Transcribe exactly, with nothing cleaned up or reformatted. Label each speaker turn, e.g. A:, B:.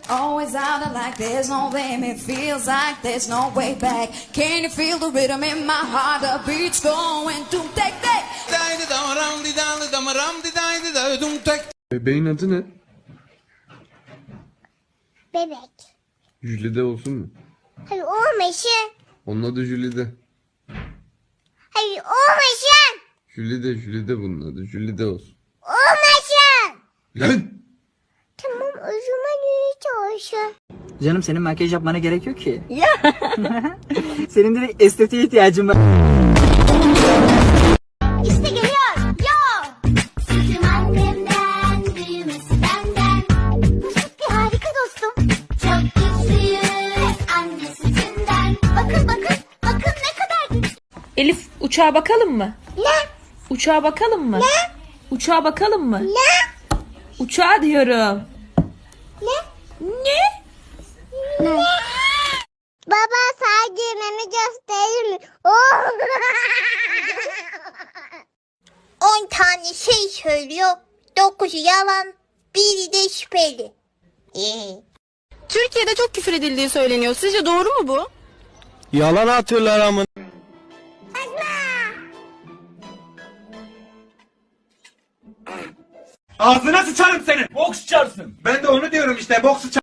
A: Always out of like there's no limit, feels like there's no way back. Can you feel the rhythm in my heart? The beat's going to take take.
B: Bebeğin adı ne?
C: Bebek.
B: Jülide olsun mu?
C: Hayır olmasın.
B: Onun adı Jülide.
C: Hayır olmasın.
B: Jülide, Jülide bunun adı. Jülide olsun.
C: Olmasın.
B: Lan!
C: Tamam o zaman öyle olsun.
D: Canım senin makyaj yapmana gerek yok ki. Ya. Senin de bir estetiğe ihtiyacın var.
C: İşte geliyor. Yo. Sütüm annemden, büyümesi benden. Bu süt bir harika dostum. Çok güçlüyüz anne sütünden. Bakın bakın bakın ne kadar güçlü.
E: Elif uçağa bakalım mı?
C: Ne?
E: Uçağa bakalım mı?
C: Ne?
E: Uçağa bakalım mı?
C: Ne?
E: Uçağa diyorum.
C: Ne?
E: Ne?
C: Ne? Baba sadece meme gösterir mi? Oh. On tane şey söylüyor. Dokuzu yalan, biri de şüpheli. Ee.
F: Türkiye'de çok küfür edildiği söyleniyor. Sizce doğru mu bu?
G: Yalan atıyorlar amın.
H: Ağzına sıçarım seni. Bok sıçarsın. Ben de onu diyorum işte. Bok sıçar.